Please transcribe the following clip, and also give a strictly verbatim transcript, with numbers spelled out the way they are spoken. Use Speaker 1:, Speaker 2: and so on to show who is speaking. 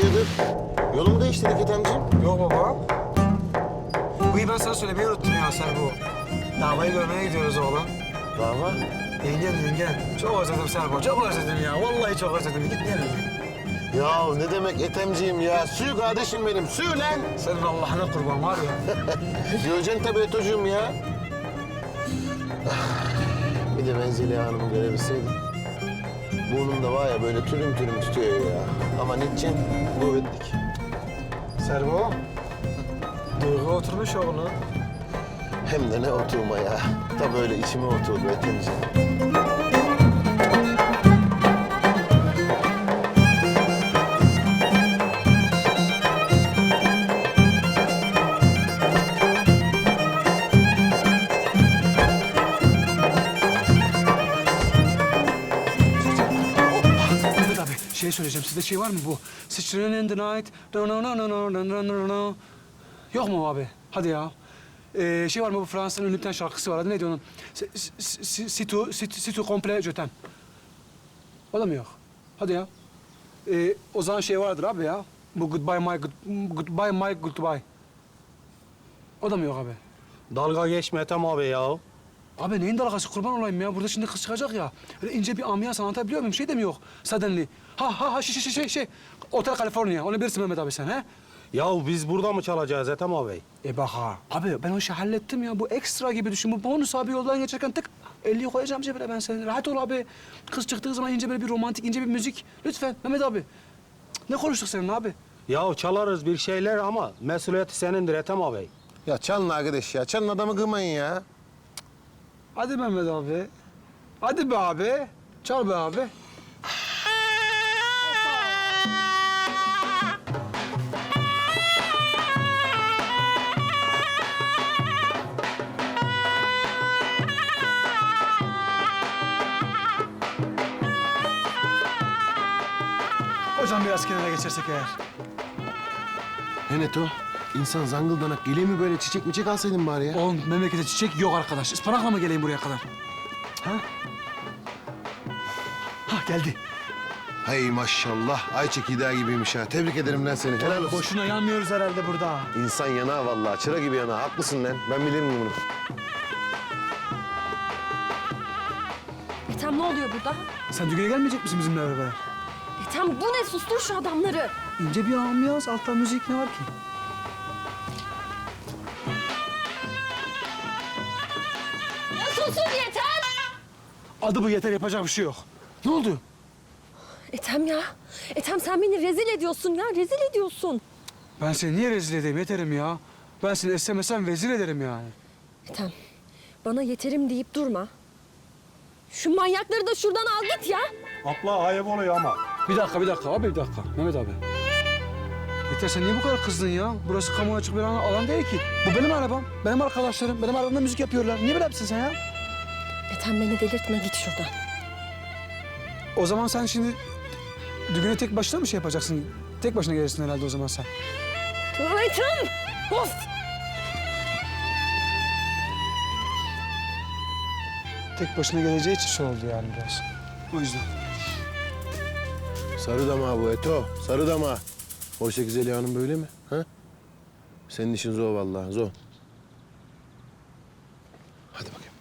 Speaker 1: Hayırdır? Yolu mu değiştirdik Ethemciğim?
Speaker 2: Yok baba. Bu iyi ben sana söylemeyi unuttum ya sen bu. Davayı görmeye gidiyoruz oğlum.
Speaker 1: Dava?
Speaker 2: Yengen yengen. Çok özledim Serbo, çok özledim ya. Vallahi çok özledim. Gitmeyelim mi?
Speaker 1: Ya ne demek Ethemciğim ya? Suyu kardeşim benim, suyu lan!
Speaker 2: Senin Allah'ına kurban var ya.
Speaker 1: Göreceksin tabii Eto'cuğum ya. Bir de ben Zeliha Hanım'ı görebilseydim. Burnum da var ya böyle türüm türüm tutuyor ya. Ama ne diyeceksin? Kuvvetlik.
Speaker 2: Serbo. Duygu oturmuş oğlum.
Speaker 1: Hem de ne oturma ya. Tam öyle içime oturdu Ethemciğim.
Speaker 3: Mehmet abi şey söyleyeceğim. Sizde şey var mı bu? Sıçrın in the night. No, no, no, no, no, no, no, no, no. Yok mu abi? Hadi ya. Ee, şey var mı bu Fransa'nın ünlü bir tane şarkısı var. Adı neydi onun? Si tu, si tu, si tu komple je t'aime. O da mı yok? Hadi ya. Ee, o zaman şey vardır abi ya. Bu goodbye my good, goodbye my goodbye. O da mı yok abi?
Speaker 4: Dalga geçme Ethem abi ya.
Speaker 3: Abi neyin dalgası kurban olayım ya. Burada şimdi kız çıkacak ya. Öyle ince bir ambiyans anlatabiliyor muyum? Şey de mi yok? Suddenly. Ha ha ha şey şey şey şey. Otel California. Onu bilirsin Mehmet abi sen he?
Speaker 4: Ya biz burada mı çalacağız Ethem abi?
Speaker 3: E bak ha. Abi ben o işi hallettim ya. Bu ekstra gibi düşün. Bu bonus abi yoldan geçerken tık elliyi koyacağım cebine ben senin. Rahat ol abi. Kız çıktığı zaman ince böyle bir romantik, ince bir müzik. Lütfen Mehmet abi. Cık, ne konuştuk seninle abi?
Speaker 4: Ya çalarız bir şeyler ama mesuliyeti senindir Ethem abi.
Speaker 1: Ya çalın arkadaş ya. Çalın adamı kırmayın ya.
Speaker 3: Hadi Mehmet abi. Hadi be abi. Çal be abi. Hocam biraz kenara geçersek eğer.
Speaker 1: Ne Neto? İnsan zangıldanak geliyor mi böyle çiçek miçek alsaydın bari ya?
Speaker 3: Oğlum memlekete çiçek yok arkadaş. Ispanakla mı geleyim buraya kadar? Ha? Ha geldi.
Speaker 1: Hay maşallah. Ay çekirdeği gibiymiş ha. Tebrik ederim lan seni. Helal olsun.
Speaker 3: Boşuna yanmıyoruz herhalde burada.
Speaker 1: İnsan yana vallahi. Çıra gibi yana. Haklısın lan. Ben bilirim bunu.
Speaker 5: Ethem ne oluyor burada?
Speaker 3: Sen düğüne gelmeyecek misin bizimle beraber?
Speaker 5: Ethem bu ne? Sustur şu adamları.
Speaker 3: İnce bir ambiyans, alttan müzik ne var ki?
Speaker 5: Ya susun yeter!
Speaker 3: Adı bu yeter, yapacak bir şey yok. Ne oldu?
Speaker 5: Ethem ya. Ethem sen beni rezil ediyorsun ya. Rezil ediyorsun.
Speaker 3: Ben seni niye rezil edeyim yeterim ya? Ben seni istemesem vezir ederim yani.
Speaker 5: Ethem bana yeterim deyip durma. Şu manyakları da şuradan al git ya.
Speaker 4: Abla ayıp oluyor ama.
Speaker 3: Bir dakika, bir dakika abi, bir dakika. Mehmet abi. Yeter sen niye bu kadar kızdın ya? Burası kamuya açık bir alan, alan değil ki. Bu benim arabam, benim arkadaşlarım, benim arabamda müzik yapıyorlar. Niye böyle yapsın sen ya?
Speaker 5: Ethem beni delirtme git şuradan.
Speaker 3: O zaman sen şimdi düğüne tek başına mı şey yapacaksın? Tek başına gelirsin herhalde o zaman sen.
Speaker 5: Ethem! Of!
Speaker 3: Tek başına geleceği için şey oldu yani biraz. O yüzden.
Speaker 1: Sarı dama bu Eto. Sarı dama. Oysa ki Zeliha Hanım böyle mi? Ha? Senin işin zor vallahi. Zor. Hadi bakayım.